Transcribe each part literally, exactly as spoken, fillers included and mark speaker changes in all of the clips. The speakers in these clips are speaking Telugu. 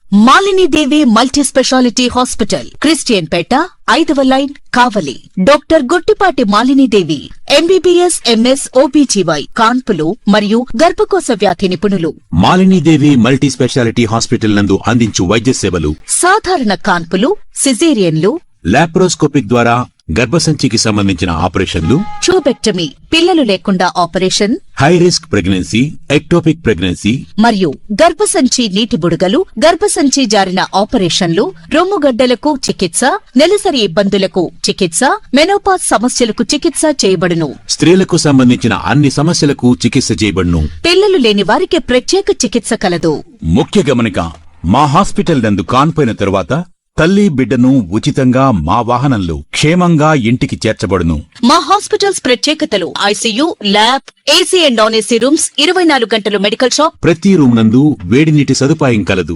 Speaker 1: Malini Devi multi speciality hospital, Christian Peta, ఐదవ line, Kavali. Doctor Gottipati Malini Devi MBBS MS OBGY కాన్పులు మరియు గర్భకోశ వ్యాధి నిపుణులు.
Speaker 2: Malini Devi multi speciality hospital నందు అందించు వైద్య సేవలు:
Speaker 1: సాధారణ కాన్పులు, సిజేరియన్లు,
Speaker 2: లాప్రోస్కోపిక్ ద్వారా గర్భసంచికి సంబంధించిన ఆపరేషన్లు,
Speaker 1: ట్యూబెక్టమీ, పిల్లలు లేకుండా operation,
Speaker 2: high risk pregnancy, ectopic pregnancy
Speaker 1: మరియు గర్భసంచి నీటి బుడగలు, గర్భసంచి జారిన ఆపరేషన్లు, రొమ్ముగడ్డలకు చికిత్స, నెలసరి ఇబ్బందులకు చికిత్స, మెనోపాజ్ సమస్యలకు చికిత్స చేయబడును.
Speaker 2: స్త్రీలకు సంబంధించిన అన్ని సమస్యలకు చికిత్స చేయబడును.
Speaker 1: పిల్లలు లేని వారికి ప్రత్యేక చికిత్స కలదు.
Speaker 2: ముఖ్య గమనిక: మా హాస్పిటల్ నందు కాన్పోయిన తరువాత తల్లి బిడ్డను ఉచితంగా మా వాహనంలో క్షేమంగా ఇంటికి చేర్చబడును.
Speaker 1: మా హాస్పిటల్స్ ప్రత్యేకతలు: ICU, lab, AC and non AC rooms, ఇరవై నాలుగు గంటలు మెడికల్ షాప్,
Speaker 2: ప్రతి రూమ్ నందు వేడి నీటి సదుపాయం కలదు.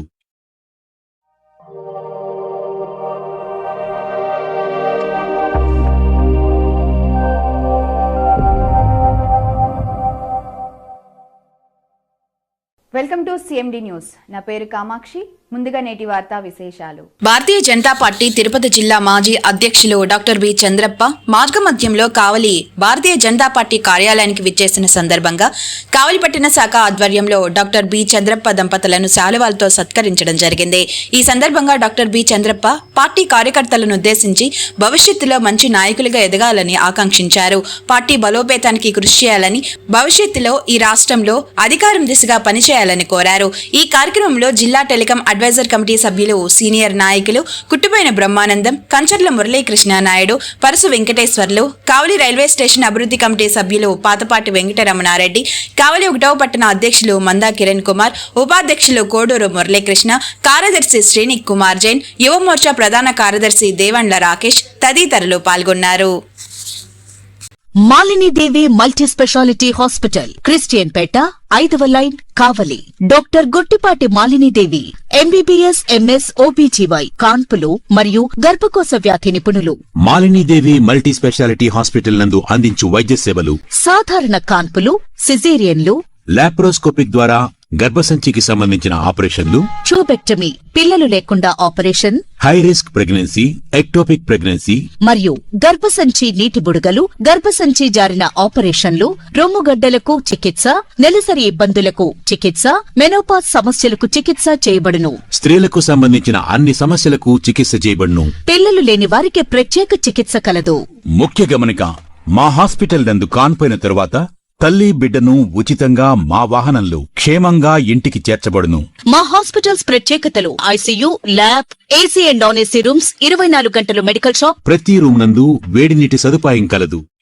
Speaker 3: Welcome to CMD news. నా పేరు కామాక్షి. ముందుగా నేటి వార్తా విశేషాలు.
Speaker 4: భారతీయ జనతా పార్టీ తిరుపతి జిల్లా మాజీ అధ్యక్షులు డాక్టర్ బి చంద్రప్ప మార్గమధ్యంలో కావలి భారతీయ జనతా పార్టీ కార్యాలయానికి విచ్చేసిన సందర్భంగా కావలి పట్టణ శాఖ ఆధ్వర్యంలో డాక్టర్ బి చంద్రప్ప దంపతులను శాలువాలతో సత్కరించడం జరిగింది. ఈ సందర్భంగా డాక్టర్ బి చంద్రప్ప పార్టీ కార్యకర్తలను ఉద్దేశించి భవిష్యత్తులో మంచి నాయకులుగా ఎదగాలని ఆకాంక్షించారు. పార్టీ బలోపేతానికి కృషి చేయాలని, భవిష్యత్తులో ఈ రాష్ట్రంలో అధికారం దిశగా పనిచేయాలని కోరారు. ఈ కార్యక్రమంలో జిల్లా టెలికాం అడ్వైజర్ కమిటీ సభ్యులు, సీనియర్ నాయకులు కుట్టుపోయిన బ్రహ్మానందం, కంచర్ల మురళీకృష్ణ నాయుడు, పరసు వెంకటేశ్వర్లు, కావలి రైల్వే స్టేషన్ అభివృద్ధి కమిటీ సభ్యులు పాతపాటి వెంకటరమణారెడ్డి, కావలి ఒకటవ పట్టణ అధ్యక్షులు మందా కిరణ్ కుమార్, ఉపాధ్యక్షులు కోడూరు మురళీకృష్ణ, కార్యదర్శి శ్రీని కుమార్ జైన్, యువమోర్చా ప్రధాన కార్యదర్శి దేవండ్ల రాకేష్ తదితరులు పాల్గొన్నారు.
Speaker 1: Malini Devi multi speciality hospital, Christian Peta, ఐదవ line, Kavali. Doctor Gottipati Malini Devi MBBS MS OBGY కాన్పులు మరియు గర్భకోశ వ్యాధి నిపుణులు.
Speaker 2: Malini Devi multi speciality hospital నందు అందించు వైద్య సేవలు:
Speaker 1: సాధారణ కాన్పులు, సిజేరియన్లు,
Speaker 2: లాప్రోస్కోపిక్ ద్వారా గర్భసంచికి సంబంధించిన ఆపరేషన్లు,
Speaker 1: ట్యూబెక్టమీ, పిల్లలు లేకుండా operation,
Speaker 2: high risk pregnancy, ectopic pregnancy
Speaker 1: మరియు గర్భసంచి నీటి బుడగలు, గర్భసంచి జారిన ఆపరేషన్లు, రొమ్ముగడ్డలకు చికిత్స, నెలసరి ఇబ్బందులకు చికిత్స, మెనోపాజ్ సమస్యలకు చికిత్స చేయబడును.
Speaker 2: స్త్రీలకు సంబంధించిన అన్ని సమస్యలకు చికిత్స చేయబడును.
Speaker 1: పిల్లలు లేని వారికి ప్రత్యేక చికిత్స కలదు.
Speaker 2: ముఖ్య గమనిక: మా హాస్పిటల్ నందు కాన్పోయిన తరువాత తల్లి బిడ్డను ఉచితంగా మా వాహనంలో క్షేమంగా ఇంటికి చేర్చబడును.
Speaker 1: మా హాస్పిటల్స్ ప్రత్యేకతలు: ICU, lab, AC and non AC rooms, ఇరవై నాలుగు గంటలు మెడికల్ షాప్,
Speaker 2: ప్రతి రూమ్ నందు వేడి నీటి సదుపాయం కలదు.